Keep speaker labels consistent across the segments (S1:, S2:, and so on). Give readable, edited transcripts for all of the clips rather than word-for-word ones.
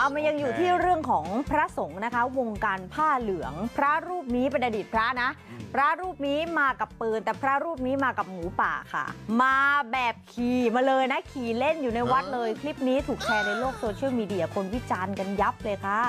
S1: มันยังอยู่ที่เรื่องของพระสงฆ์นะคะวงการผ้าเหลืองพระรูปนี้เป็นอดีตพระนะพระรูปนี้มากับปืนแต่พระรูปนี้มากับหมูป่าค่ะมาแบบขี่มาเลยนะขี่เล่นอยู่ในวัดเลยคลิปนี้ถูกแชร์ในโลกโซเชียลมีเดียคนวิจารณ์กันยับเลยค่ะ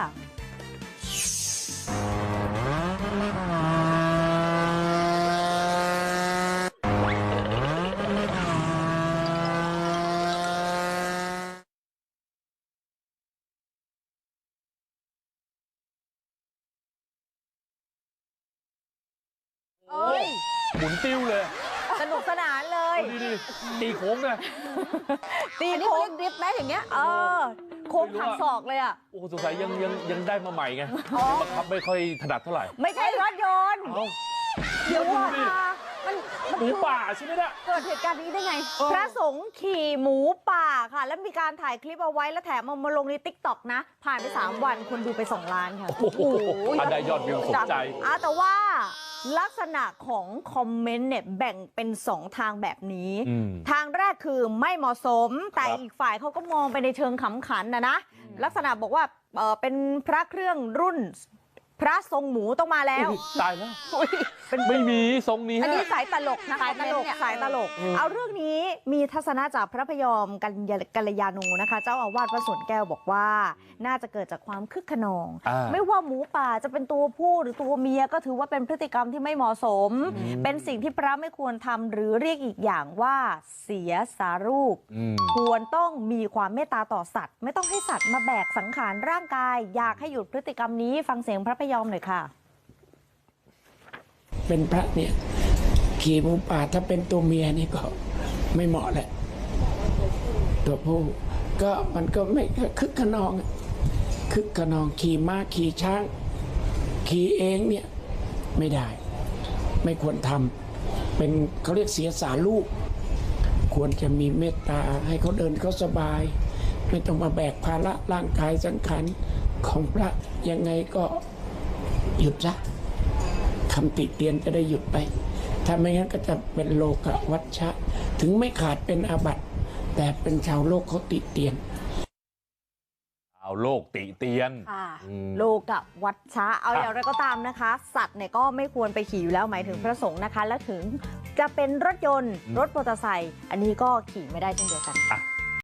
S2: หมุนติ้วเลย
S1: สนุกสนานเลย
S2: ดีตีโค้งเลย
S1: ตีโค้งดริฟต์ไหมอย่างเงี้ยโค้งหักศอกเลยอ่ะ
S2: โอ้สงสัยยังได้มาใหม่ไงบังคับไม่ค่อยถนัดเท่าไหร่
S1: ไม่ใช่รถยนต์เดี๋ยวว่ามัน
S2: หมูป่าใช่ไหมเนี่ย
S1: เกิดเหตุการณ์นี้ได้ไงพระสงฆ์ขี่หมูป่าค่ะแล้วมีการถ่ายคลิปเอาไว้แล้วแถมมาลงใน TikTok นะผ่านไป3 วันคนดูไป2 ล้านค่ะ
S2: โอ้โหได้ยอดวิวสมใจ
S1: แต่ว่าลักษณะของคอมเมนต์เนี่ยแบ่งเป็น2 ทางแบบนี้ทางแรกคือไม่เหมาะสมแต่อีกฝ่ายเขาก็มองไปในเชิงขำขันนะลักษณะบอกว่าเป็นพระเครื่องรุ่นพระทรงหมูต้องมาแล้ว
S2: ตายแล้วไม่มีทรงนี้
S1: อันนี้สายตลกนะสายตลกเอาเรื่องนี้มีทัศนะจากพระพยอมกัลยาณูนะคะเจ้าอาวาสวัดสวนแก้วบอกว่าน่าจะเกิดจากความคึกขนองไม่ว่าหมูป่าจะเป็นตัวผู้หรือตัวเมียก็ถือว่าเป็นพฤติกรรมที่ไม่เหมาะสมเป็นสิ่งที่พระไม่ควรทำหรือเรียกอีกอย่างว่าเสียสารูปควรต้องมีความเมตตาต่อสัตว์ไม่ต้องให้สัตว์มาแบกสังขารร่างกายอยากให้หยุดพฤติกรรมนี้ฟังเสียงพระพยอมหน่อยค่ะ
S3: เป็นพระเนี่ยขี่หมูป่าถ้าเป็นตัวเมียนี่ก็ไม่เหมาะแหละตัวผู้ก็มันก็ไม่คึกขนองขี่ม้าขี่ช้างขี่เองเนี่ยไม่ได้ไม่ควรทำเป็นเขาเรียกเสียสาลูกควรจะมีเมตตาให้เขาเดินเขาสบายไม่ต้องมาแบกภาระร่างกายสังขารของพระยังไงก็หยุดซะคำติเตียนจะได้หยุดไปถ้าไม่งั้นก็จะเป็นโลกวัชชะถึงไม่ขาดเป็นอาบัติแต่เป็นชาวโลกเขาติเตียน
S2: เอาโลกติเตียน
S1: โลกวัชชะเอาอย่างไรก็ตามนะคะสัตว์เนี่ยก็ไม่ควรไปขี่อยู่แล้วหมายถึงพระสงฆ์นะคะและถึงจะเป็นรถยนต์รถมอเตอร์ไซค์อันนี้ก็ขี่ไม่ได้เช่นเดียวกัน